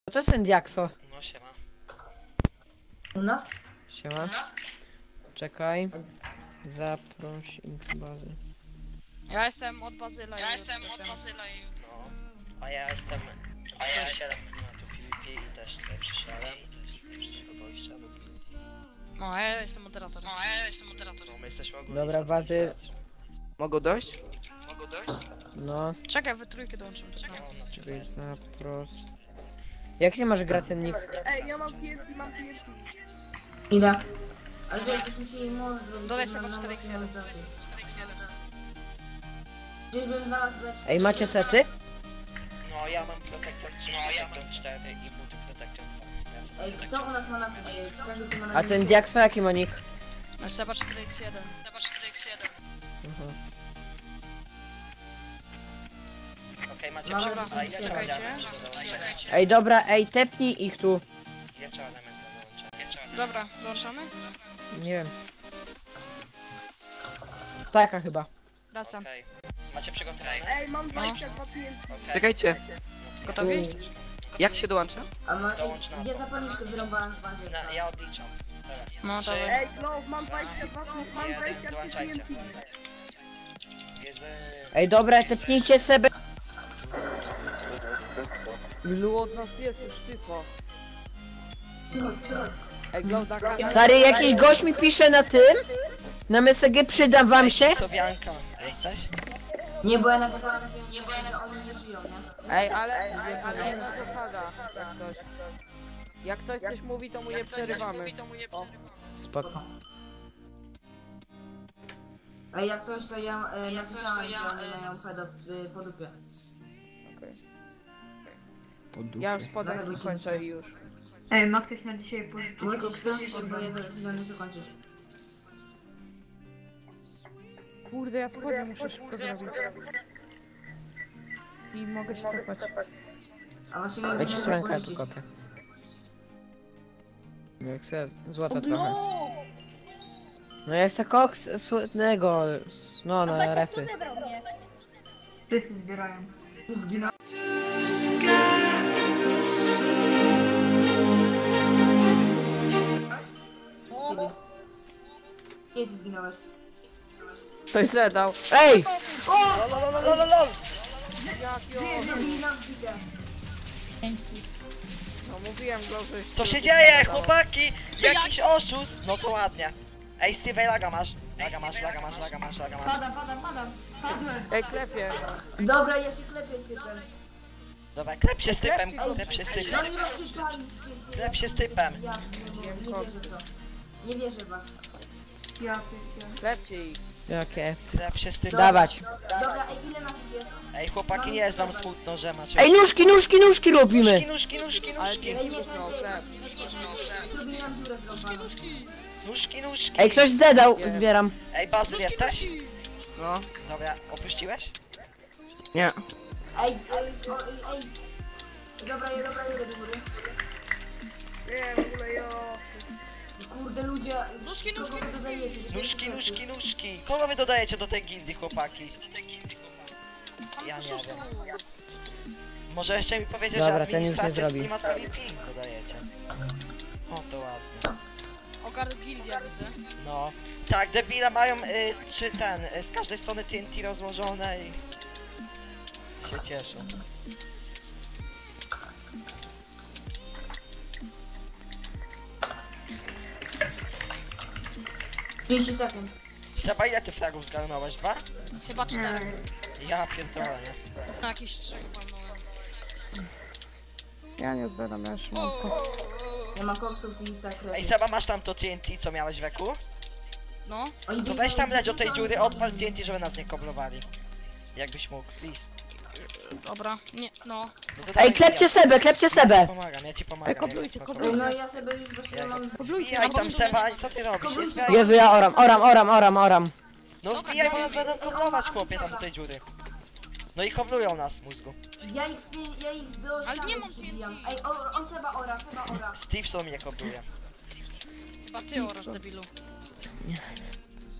To jest ten Diakso. No siema. U nas? Siema. Czekaj. Zaproś bazy. Ja jestem od Bazyla. No. A ja jestem... A ja jestem na tu PvP i też tutaj przyszedłem. No, ja jestem moderator. No my jesteśmy ogólnie... Dobra, bazy. Mogą dojść? No. Czekaj, we trójkę dołączymy. Czekaj, zapros. Jak nie masz gracennik? Ej, ja mam TNT, mam TNT. Ile? Ale to jest musieli moc zrobić. Dodaj to sobie nam 4x1. nam zacznie. Gdzieś bym znalazł leczkę. Ej, macie sety? No ja mam protektor 3, protektor 4 i buty protektor 2. Ej, kto u nas ma na... Każdy tu ma na... A ten Diakso jaki ma nick? Masz Seba 4x1. Aha. Okej, macie Mamy przewód, a ile trzeba czekajcie. elementów Ej, dobra, ej, tepnij ich tu. Ile trzeba elementów dołączyć? Dobra, dołączamy? Nie wiem. Staka chyba. Wracam. Okej. Macie przygotowane? Ej, mam 22 TNT. Okej. Czekajcie, Gotowi? jak się dołącza? A ma... Dołącz na Gdzie to. zapalniczkę wyrąbałem w bazie? Ja odliczam. Dobra. No, 3, dawaj. Ej, no, mam 22, mam 1, 23 dołączajcie. TNT. Jest... Ej, dobra, tepnijcie sobie. Ilu od nas jest już tylko? Ej, Glauda, Stary, jakiś gość mi pisze na tym. Na MSG przydam wam się. Sobianka, jesteś? Nie, bo ja napisałam, że oni nie żyją, nie? Ej, ale inna zasada, jak coś. Jak ktoś coś mówi, to mu nie przerywamy. O, Spoko. Ej, jak coś to ja napisałam, że oni mają pedo po dupie. okej. Ja już spodem kończę i już. Ej, ma ktoś na dzisiaj pożyczyć Wojciech, śpieszy się, bo ja zaraz muszę kończyć. Kurde, ja spodnie muszę szybko zrobić. I mogę się topać. A właściwie Weź muszę słonka tu pożyczyć. kopę. Jak chcę złota trochę. No ja chcę koks słodnego. No, na refy. Wszyscy zbierają. Zginął. Kiedy? Kiedy zginąłeś? Ktoś zadał. Ej! Lol. Zrobili nam bitę. No mówiłem, Glauda. Co się dzieje, chłopaki? Jakiś oszust? No to ładnie. Ej, Steve, laga masz. Laga masz. Padam. Padłem. Ej, klepie. Dobra, ja się klepię z typem. Dobra, klep się z typem, klep się z typem. No i rozsypaliście się. Klep się z typem. Ja nie wierzę w to. Nie wierzę w was. Ja pierdolę. Klepcie ich. Jakie? Klep się z typem. Dawać. Dobra, ej, ile naszych jest? Ej, chłopaki, nie jest wam smutno, że macie... Ej, nóżki robimy. Nóżki. Ale Ej, dzięki nie, kuchnął chleb. Zrobili nam dziurę wrąbaną. Nóżki. Ej, ktoś zdedał, zbieram. Ej, Bazyl, jesteś? No, Dobra, opuściłeś? nie. Ej. Dobra, idę do góry. Nie, w ogóle jo. Kurde, ludzie. Kogo wy dodajecie? Nóżki. Kogo wy dodajecie do tej gildii, chłopaki? Ja nie wiem. Może jeszcze mi powiedzieć, Dobra, że ten już nie administracja zrobi. Streama PvP dodajecie. O, to ładnie. Ogarnę gildia, widzę. No. Tak, debile mają z każdej strony TNT rozłożone i... się cieszą. 30 sekund. Seba, ile ty fragów zgarnąłeś? 2? Chyba 4. Ja pierdolę, nie? Na jakieś 3 walnąłem. Ja nie zdadam, ja już mam koks. Ja mam koksów i tak Ej, Seba, masz tam to TNT, co miałeś w eku? No. To weź tam leć od tej dziury, odpal TNT, żeby nas nie koblowali. Jakbyś mógł, please. Dobra, nie, no. No to Ej, dawaj, klepcie ja sebę. ci pomagam. koblujcie, No ja sobie już właśnie mam... Wbijaj tam, Seba, co ty robisz? Jest Jezu, ja oram. No wbijaj, bo nas będą koblować, chłopie, tam do tej dziury. No i koblują nas, mózgu. Ja ich do Ale nie ściany mam przybijam. Ej, on Seba ora. Steveson mnie kobluje. Chyba ty oraz debilu.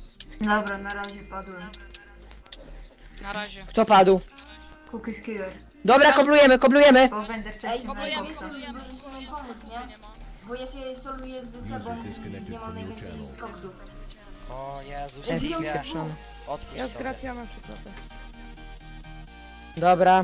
Dobra, na razie padłem. Na razie. Kto padł? Cookies Killer. Dobra, koblujemy. Bo będę Ej, wcześniej na Koblujemy, wiesz, koblujemy. musimy pomóc, nie? Nie ma. Bo ja się soluję ze sobą i nie mam najwięcej koksów. O Jezu, Ej, Stevie. Pieprzony. Otwórz Ja z sobie. Gracjanem przyklepę. Dobra.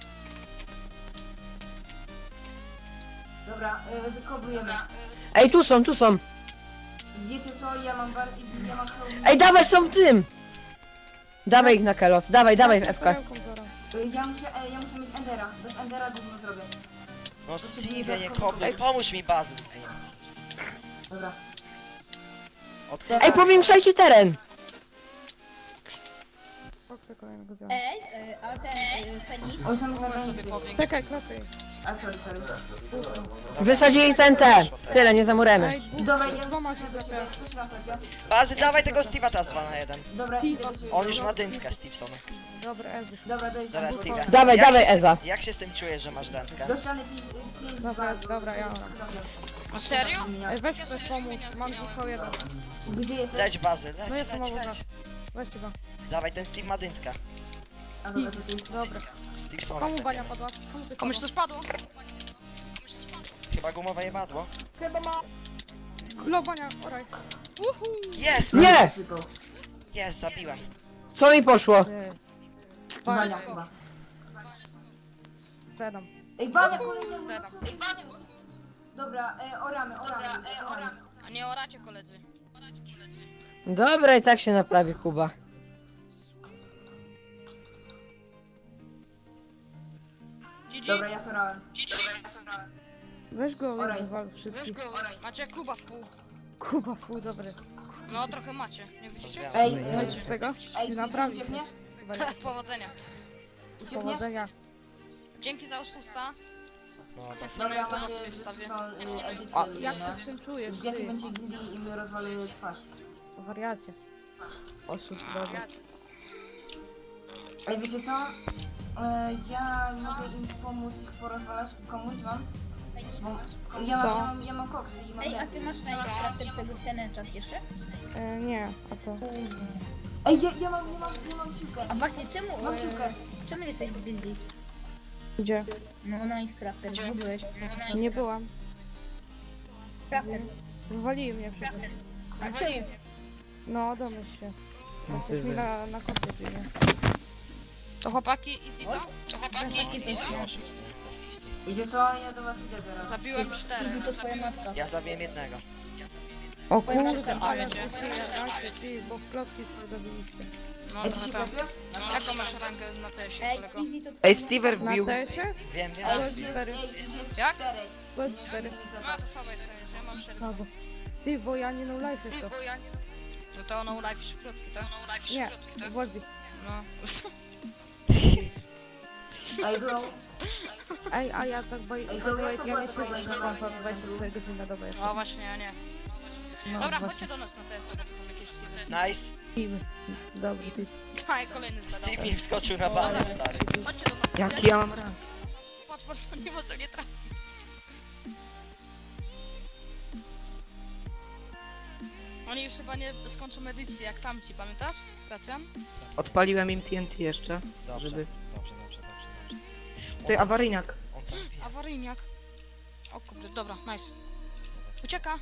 Dobra, koblujemy. Ej, tu są. Wiecie co, ja mam hełm. Ej, dawaj, są w tym. Dawaj ich na Kelos, dawaj w FK. Ja muszę mieć Endera. Bez Endera gówno zrobię. No Stevie, nie kobluj, pomóż mi Bazyl z nim. Dobra. Odkryj. Ej, powiększajcie teren. Koksa kolejnego zjadam. A ten Feniks? Oni są już na granicy. Czekaj, klapy. A sorry. Wysadzili Tyle, nie zamuremy. Ej, dwóch, Dobra, ja dwoma się idę do ciebie. klepią. Kto się na chlebie? Bazyl, dawaj tego Steve'a teraz 2 na 1. Dobra, idę do ciebie. On już ma dętkę, Stevenson. Dobra, Ezy. Dobra, dojeżdżam. Dobra, Steve. Dawaj, Jak dawaj, się z tym- Eza. Jak się z tym czujesz, że masz dętkę? Do ściany 5 Dobra, ja mam. A serio? Ej, weź ktoś pomóc, mam tylko jeden. Gdzie jesteś? Leć Bazyl, No leć. jestem obok. Weź chyba. Dawaj, ten Steve ma dętkę. A dobra, to ty. Dobra. Stevensona. Komu bania padła? Komu ty Komuś padła? to spadło? Chyba gumowe jebadło. Chyba ma... Klo bania, oraj. Jest! Nie! Sypał. Jest, zabiłem. Co mi poszło? Bania chyba. Zedam. Ej, bania kolejnego. Ej, bania. Dobra, oramy. A nie oracie koledzy. Dobra, i tak się naprawi Kuba. GG? Dobra, ja sorałem. Weź go, Oraj. wywal wszystkich. Macie Kuba w pół. Kuba, pół, dobry. No trochę macie, nie widzicie? Ej, Wejdź z tego. ej, Naprawi. uciekniesz? Powodzenia. Uciekniesz? Powodzenia. Dzięki za oszusta. No, Dobra, na macie sobie wstawię. edycję, A jak ty nie? z tym czujesz, W jakim ty? będzie gili i my rozwalimy twarz. Wariacie. Oszust, dobra. Ej, wiecie co? Ja mogę im pomóc ich porozwalać, komuś wam? Bo ja mam koksy i mam Ej, a rękę. ty masz najpierw tego tenenczak jeszcze? Nie, a co? Ej, ja mam siłkę. A właśnie czemu? Mam siłkę. Czemu jesteś w gildii? Gdzie? No na Crafter, gdzie byłeś? Nie byłam. Crafter. Wywalili mnie przecież. A czemu? No, domyśl się. Jesteś mi na kopie biegnie. To chłopaki, easy to? To chłopaki, easy to? Wiecie co? Ja do was idę teraz. Zabiłem 4. Easy to twoja matka. ja zabiłem jednego. O Powiem, że kurde, tam ale przyjdzie. ty, bo klotki sobie zabiliście. No Ej, ty trochę się tak. klepiesz? Jaką masz rangę na CS-ie, Ej, kolego? Easy to Ej, twoja Stever Na wbił. CS-ie? Wiem, wiem. Ale Jest, 4. jest Jak? 4. To jest 4. No to słabo jest, ja mam 4. Słabo. Ty, bo ja nie no life jest to. No to ono live środki, tak? Nie, Wolwi. No. Ej, bro. Ej, a ja tak by the way, ja nie siedzę na kompa 24 godziny na dobę jeszcze. No właśnie, ja nie. No, Dobra, właśnie. chodźcie do nas na TS, bo są jakieś seedy. Nice. Team. Dobry, ty. Aj, kolejny Steve zadał. mi wskoczył na balę, stary. Chodźcie do nas. Jaki ja mam rank? Patrz, nie może nie trafić. Oni już chyba nie skończą edycji jak tamci, pamiętasz? Gracjan? Odpaliłem im TNT jeszcze, Dobrze, żeby... dobrze. Ty, awaryjniak. On tam wbija. Awaryjniak. O kurde, dobra, nice. Ucieka.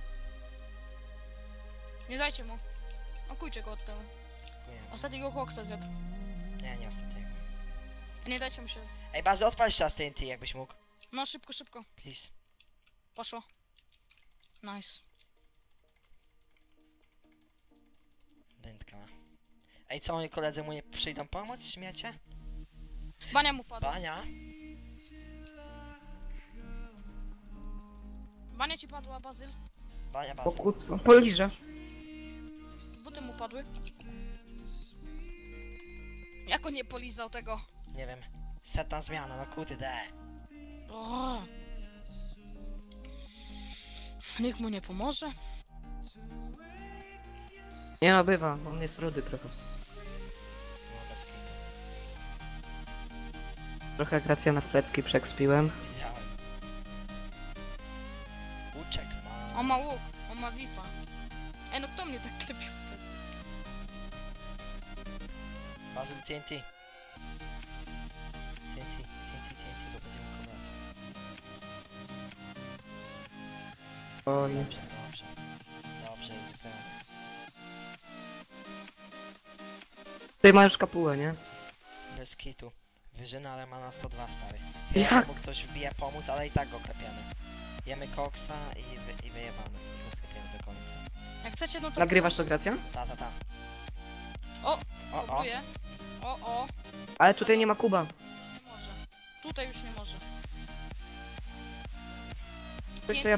Nie dajcie mu. Okujcie go od tyłu. Ostatniego Hawksa zjadł. Nie ostatniego. Nie dajcie mu się. Ej, Bazy, odpal jeszcze raz TNT, jakbyś mógł. No szybko, szybko. Please. Poszło. Nice. Dętka ma. Ej, co, moi koledzy mu nie przyjdą pomóc, śmiecie? Bania mu padła. Bania? Bania ci padła, Bazyl. Bania, O Bazy. kutwo. Poliżę. Buty mu padły. Jak on nie polizał tego? Nie wiem. Setna zmiana, no kurde. O! Nikt mu nie pomoże. Nie no, bywa. On jest rudy trochę. No, bez kitu. Trochę Gracjana w plecki przekspiłem. Widziałem. Uczek ma. On ma łuk, on ma VIPa. Ej, no kto mnie tak klepił? Bazy TNT. TNT. O nie. Dobrze, dobrze. Dobrze, jest gra. Tutaj ma już kapułę, nie? Bez kitu. Wyżyna, ale ma na 102, stary. Jak? Jak mu ktoś wbije pomóc, ale i tak go klepiemy. Jemy koksa i wyjebamy. I go klepiemy do końca. Jak chcecie, no to... Nagrywasz to, Gracja? Ta. O! O. Próbuję. O! Ale tutaj nie ma Kuba. Nie może. Tutaj już nie może. Coś to ja...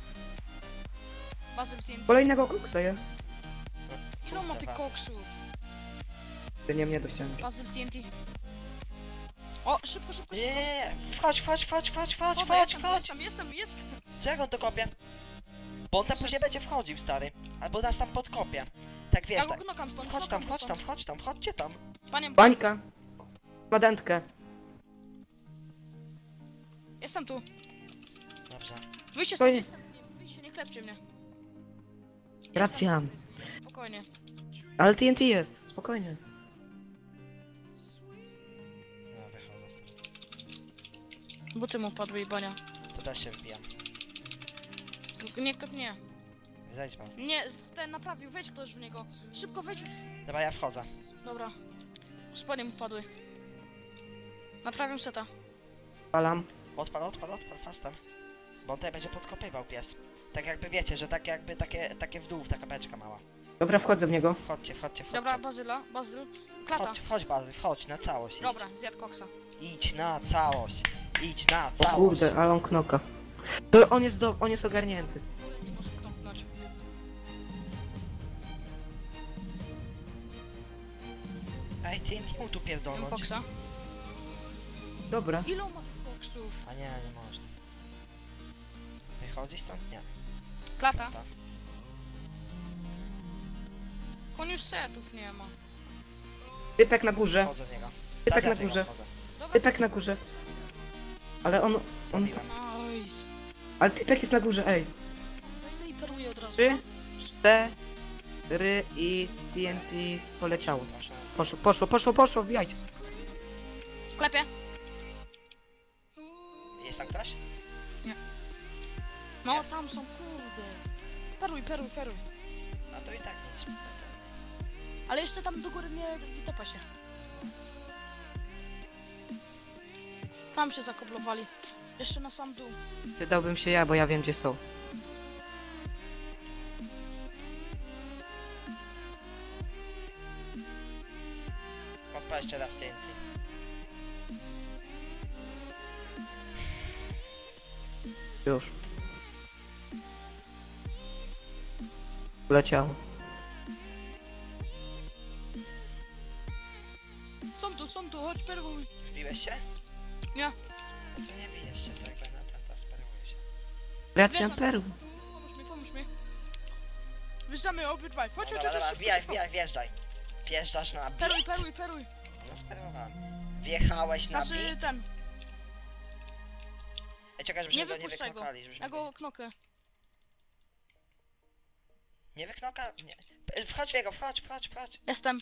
Bazyl TNT. Kolejnego koksa je. Ilu ma tych koksów? Ty nie mnie do ściany. Bazyl TNT. O, szybko. Nie, wchodź. Dobra, jestem. Czego on to kopie? Bo on tam później będzie wchodził, stary. Albo nas tam podkopie. Tak wiesz, Ja go tak. knokam stąd, Chodźcie tam. Panie, Bańka. Ma dętkę. jestem tu. Dobrze. Wyjście Spokojnie. stąd, wyjście, nie klepcie mnie. Gracjan. Spokojnie. Ale TNT jest, spokojnie. No, wychodzę stąd. Buty mu padły i bania. To też się wbijam. Nie. Zejdź pan. Nie, ten naprawił, wejdź ktoś w niego. Szybko wejdź. Dobra, ja wchodzę. Dobra. Spodnie mu padły. Naprawiam seta. Palam. Odpal fastem. Bo on tutaj będzie podkopywał pies. Tak jakby wiecie, że tak jakby takie w dół, taka beczka mała. Dobra, wchodzę w niego. Wchodźcie. Dobra, Bazyl. Klata. Chodź Bazy, chodź na całość. Dobra, zjadł koksa. Idź na całość. O kurde, ale on knoka. To on jest ogarnięty. Nie może knąpnąć. Ej, TNT mu tu Jem pierdolnąć. koksa. Dobra. Ilu ma tych koksów? A nie można. Wychodzi stąd? Nie. Klata. On już setów nie ma. Typek na górze. Wchodzę w niego. Typek na Zadziataj go, górze. wchodzę. Dobra. Typek na górze. Ale on... Zabiłem. Nice. Ale typek jest na górze, ej. No i peruję od razu. 3, 4 i TNT poleciało. Poszło, wbijajcie. Klepie. Jest tam ktoś? No, tam są, kurde. Peruj. No to i tak nic. Ale jeszcze tam do góry nie tepa się. Tam się zakoblowali. Jeszcze na sam dół. Przydałbym się ja, bo ja wiem gdzie są. Odpal jeszcze raz TNT. Już. Leciało. Są tu, chodź peruj. Wbiłeś się? Nie. No to nie bijesz się, to jakby na ten to speruje się. Gracjan Peru. Pomóż mi. Wyjeżdżamy obydwaj. Chodź. Dobra, wjeżdżaj. Wjeżdżasz na bit. Peruj. No sperowałem. Wjechałeś na Znaczy bit. ten. Ej, czekaj, żebyśmy Nie go nie wypuszczaj go. wyknokali. Żebyśmy Ja go knokę. Nie wyknoka? Nie. Wchodź w jego, wchodź. Jestem.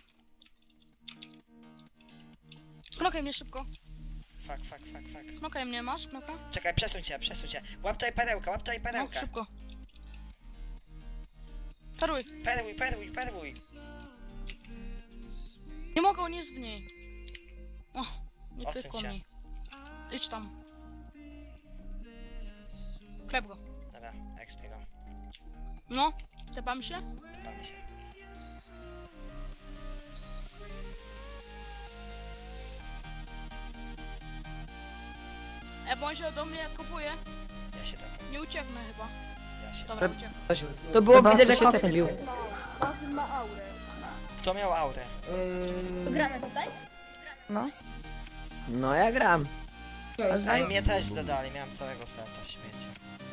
Knokaj mnie szybko. Fuck. Knokaj mnie, masz knoka? Czekaj, przesuń cię. Łap tutaj perełkę. No, szybko. Peruj. Perłuj. Nie mogę, on jest w niej. O, nie Odsuń pykło się. mi. Idź tam. Klep go. Dobra, expi go. No, tepam się? Tepamy się. Bo on się do mnie kopuje. Ja się tepam. Nie ucieknę chyba. Ja się Dobra, ucieknę. To było Chyba widać, że się koksem bił. Bazyl ma aurę. Kto miał aurę? Gramy tutaj? No ja gram. Ej, mnie też zadali, miałem całego seta, śmieci.